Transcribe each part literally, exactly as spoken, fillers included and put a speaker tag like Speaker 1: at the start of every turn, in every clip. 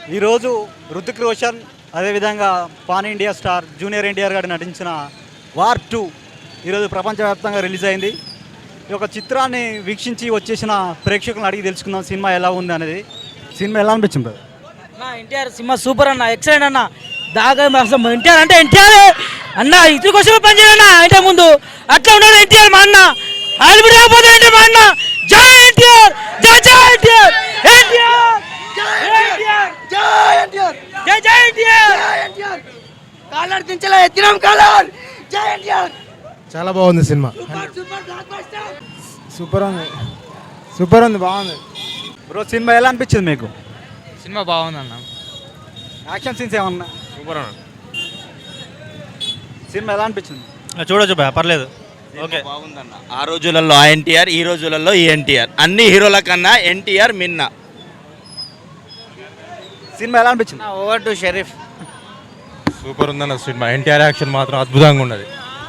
Speaker 1: ఈరోజు రుతిక్ రోషన్ అదేవిధంగా pan India star junior NTR గారు నటించిన వార్ టూ ఈరోజు ప్రపంచవ్యాప్తంగా రిలీజ్ అయింది. ఈ యొక్క చిత్రాన్ని వీక్షించి వచ్చేసిన ప్రేక్షకులను అడిగి తెలుసుకుందాం సినిమా ఎలా ఉంది అనేది. సినిమా ఎలా అనిపించింది?
Speaker 2: అన్న ఎన్టీఆర్ సినిమా సూపర్ అన్న, ఎక్సలెంట్ అన్న. దాగా అసలు ఎన్టీఆర్ అంటే ఎన్టీఆర్ అన్న, ఇతర కోసం పనిచేయన్నా అంటే ముందు అట్లా ఉన్నాడు ఎన్టీఆర్ మా అన్న. ఆల్రెడీ రాబోతే ఎన్టీఆర్ మా అన్న. జై ఎన్టీఆర్, జై జై ఎన్టీఆర్, ఎన్టీఆర్ జై ఎన్టీఆర్, జై ఎన్టీఆర్, జై జై ఎన్టీఆర్, జై ఎన్టీఆర్. కాలర్ దించలే ఎత్తినాం కాలర్. జై ఎన్టీఆర్.
Speaker 3: చాలా బాగుంది సినిమా. సూపర్ ఉంది, సూపర్ ఉంది, బాగుంది.
Speaker 1: బ్రో సినిమా ఎలా అనిపించింది మీకు?
Speaker 4: సినిమా బాగుంది అన్న.
Speaker 1: యాక్షన్ సీన్స్ ఏమన్నా?
Speaker 4: సూపర్ అన్న.
Speaker 1: సినిమా ఎలా అనిపించింది?
Speaker 5: చూడొచ్చు భయ, పర్లేదు. ఓకే
Speaker 6: బాగుందన్న. ఆ రోజులలో ఆ ఎన్టీఆర్, ఈ రోజులలో ఈ ఎన్టీఆర్. అన్ని హీరోల కన్నా ఎన్టీఆర్ మిన్న.
Speaker 1: సినిమా ఎలా అనిపించింది?
Speaker 5: Over to Sharif.
Speaker 3: సూపర్ ఉందన్న సినిమా. ఎన్టీఆర్ యాక్షన్ మాత్రం అద్భుతంగా ఉన్నది.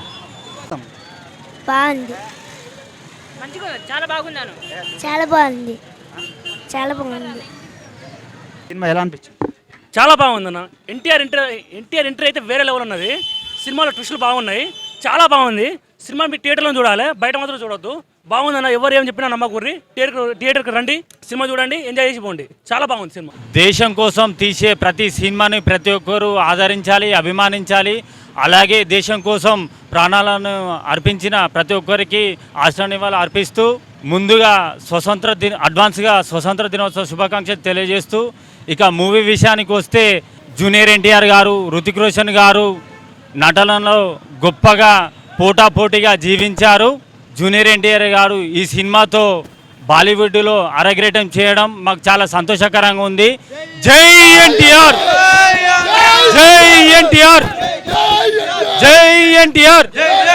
Speaker 7: బాగుంది,
Speaker 2: మంచిగా చాలా బాగున్నాను.
Speaker 7: చాలా బాగుంది, చాలా బాగుంది.
Speaker 1: సినిమా ఎలా అనిపించింది?
Speaker 8: చాలా బాగుందన్న. ఎన్టీఆర్ ఎంటర్ ఎన్టీఆర్ ఎంట్రీ అయితే వేరే లెవెల్ ఉన్నది. సినిమాలో ట్విస్టులు బాగున్నాయి, చాలా బాగుంది. సినిమా మీ థియేటర్లో చూడాలి, బయట మాత్రం చూడొద్దు. బాగుందన్న. ఎవరు ఏం చెప్పినా నమ్మకూర్రి. థియేటర్ థియేటర్కి రండి, సినిమా చూడండి, ఎంజాయ్ చేసి పోండి. చాలా బాగుంది సినిమా.
Speaker 5: దేశం కోసం తీసే ప్రతి సినిమాని ప్రతి ఒక్కరు ఆదరించాలి, అభిమానించాలి. అలాగే దేశం కోసం ప్రాణాలను అర్పించిన ప్రతి ఒక్కరికి ఆశ్రనివాళులు అర్పిస్తూ ముందుగా స్వతంత్ర దిన అడ్వాన్స్గా స్వతంత్ర దినోత్సవ శుభాకాంక్షలు తెలియజేస్తూ, ఇక మూవీ విషయానికి వస్తే జూనియర్ ఎన్టీఆర్ గారు, రుతిక్ రోషన్ గారు నటనలో గొప్పగా పోటాపోటీగా జీవించారు. జూనియర్ ఎన్టీఆర్ గారు ఈ సినిమాతో బాలీవుడ్లో అరగ్రేటం చేయడం మాకు చాలా సంతోషకరంగా ఉంది. జై ఎన్టీఆర్, జై ఎన్టీఆర్, జై ఎన్టీఆర్.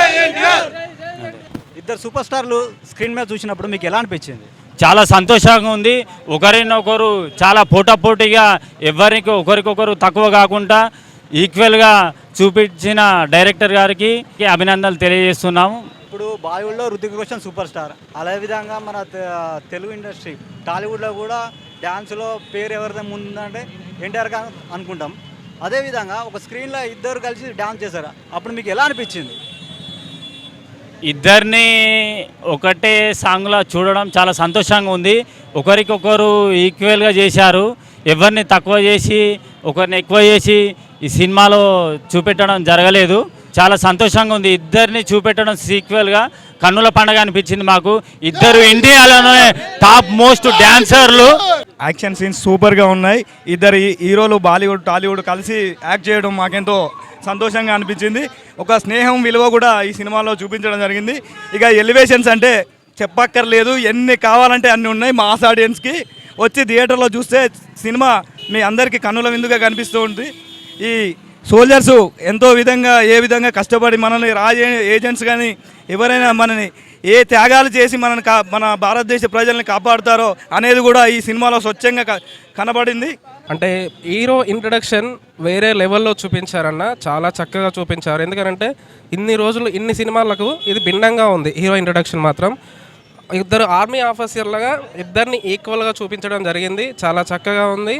Speaker 1: ఇద్దరు సూపర్ స్టార్లు స్క్రీన్ మీద చూసినప్పుడు మీకు ఎలా అనిపించింది?
Speaker 5: చాలా సంతోషంగా ఉంది. ఒకరినొకరు చాలా పోటాపోటీగా, ఎవరికి ఒకరికొకరు తక్కువ కాకుండా ఈక్వల్గా చూపించిన డైరెక్టర్ గారికి అభినందనలు తెలియజేస్తున్నాము.
Speaker 1: ఇప్పుడు బాలీవుడ్లో రుతిక్ రోషన్ సూపర్ స్టార్, అదేవిధంగా మన తెలుగు ఇండస్ట్రీ టాలీవుడ్లో కూడా డ్యాన్స్లో పేరు ఎవరిదే ముందంటే ఎన్టీఆర్ గారు అనుకుంటాం. అదేవిధంగా ఒక స్క్రీన్లో ఇద్దరు కలిసి డ్యాన్స్ చేశారు, అప్పుడు మీకు ఎలా అనిపించింది?
Speaker 5: ఇద్దరిని ఒకటే సాంగ్లో చూడడం చాలా సంతోషంగా ఉంది. ఒకరికొకరు ఈక్వల్గా చేశారు, ఎవరిని తక్కువ చేసి ఒకరిని ఎక్కువ చేసి ఈ సినిమాలో చూపెట్టడం జరగలేదు. చాలా సంతోషంగా ఉంది. ఇద్దరిని చూపెట్టడం సీక్వెల్గా కన్నుల పండుగ అనిపించింది మాకు. ఇద్దరు ఇండియాలోనే టాప్ మోస్ట్ డాన్సర్లు.
Speaker 9: యాక్షన్ సీన్స్ సూపర్గా ఉన్నాయి. ఇద్దరు హీరోలు బాలీవుడ్ టాలీవుడ్ కలిసి యాక్ట్ చేయడం మాకెంతో సంతోషంగా అనిపించింది. ఒక స్నేహం విలువ కూడా ఈ సినిమాలో చూపించడం జరిగింది. ఇక ఎలివేషన్స్ అంటే చెప్పక్కర్లేదు, ఎన్ని కావాలంటే అన్ని ఉన్నాయి. మాస్ ఆడియన్స్కి వచ్చి థియేటర్లో చూస్తే సినిమా మీ అందరికీ కన్నుల విందుగా కనిపిస్తూ ఉంది. ఈ సోల్జర్సు ఎంతో విధంగా ఏ విధంగా కష్టపడి మనల్ని రాజ ఏజెంట్స్ కానీ ఎవరైనా మనని ఏ త్యాగాలు చేసి మనని కా మన భారతదేశ ప్రజల్ని కాపాడుతారో అనేది కూడా ఈ సినిమాలో స్వచ్ఛంగా కనబడింది.
Speaker 10: అంటే హీరో ఇంట్రడక్షన్ వేరే లెవెల్లో చూపించారన్న, చాలా చక్కగా చూపించారు. ఎందుకంటే ఇన్ని రోజులు ఇన్ని సినిమాలకు ఇది భిన్నంగా ఉంది. హీరో ఇంట్రడక్షన్ మాత్రం ఇద్దరు ఆర్మీ ఆఫీసర్లుగా ఇద్దరిని ఈక్వల్గా చూపించడం జరిగింది. చాలా చక్కగా ఉంది.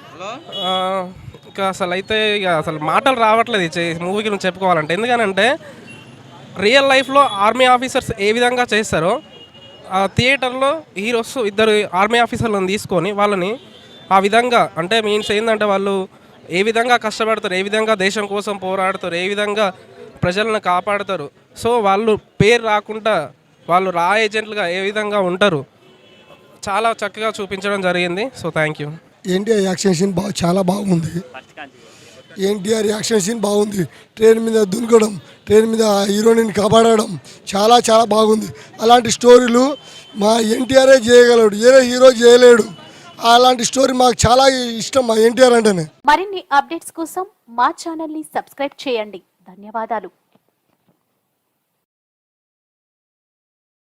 Speaker 10: ఇంకా అసలు అయితే ఇక అసలు మాటలు రావట్లేదు ఈ మూవీ గురించి చెప్పుకోవాలంటే. ఎందుకనంటే రియల్ లైఫ్లో ఆర్మీ ఆఫీసర్స్ ఏ విధంగా చేస్తారో ఆ థియేటర్లో హీరోస్ ఇద్దరు ఆర్మీ ఆఫీసర్లను తీసుకొని వాళ్ళని ఆ విధంగా, అంటే మీన్స్ ఏంటంటే వాళ్ళు ఏ విధంగా కష్టపడతారు, ఏ విధంగా దేశం కోసం పోరాడతారు, ఏ విధంగా ప్రజలను కాపాడతారు. సో వాళ్ళు పేరు రాకుండా వాళ్ళు రా ఏజెంట్లుగా ఏ విధంగా ఉంటారు, చాలా చక్కగా చూపించడం జరిగింది. So thank you.
Speaker 11: NTR action scene బాగా చాలా బాగుంది. ఎన్టీఆర్ యాక్షన్ సీన్ బాగుంది. ట్రైన్ మీద దునకడం, ట్రైన్ మీద హీరోయిన్ కాపాడడం చాలా చాలా బాగుంది. అలాంటి స్టోరీలు మా ఎన్టీఆరే చేయగలడు, ఏ హీరో చేయలేడు. అలాంటి స్టోరీ మాకు చాలా ఇష్టం మా ఎన్టీఆర్ అంటేనే.
Speaker 12: మరిన్ని అప్డేట్స్ కోసం మా ఛానల్ ని సబ్స్క్రైబ్ చేయండి. ధన్యవాదాలు.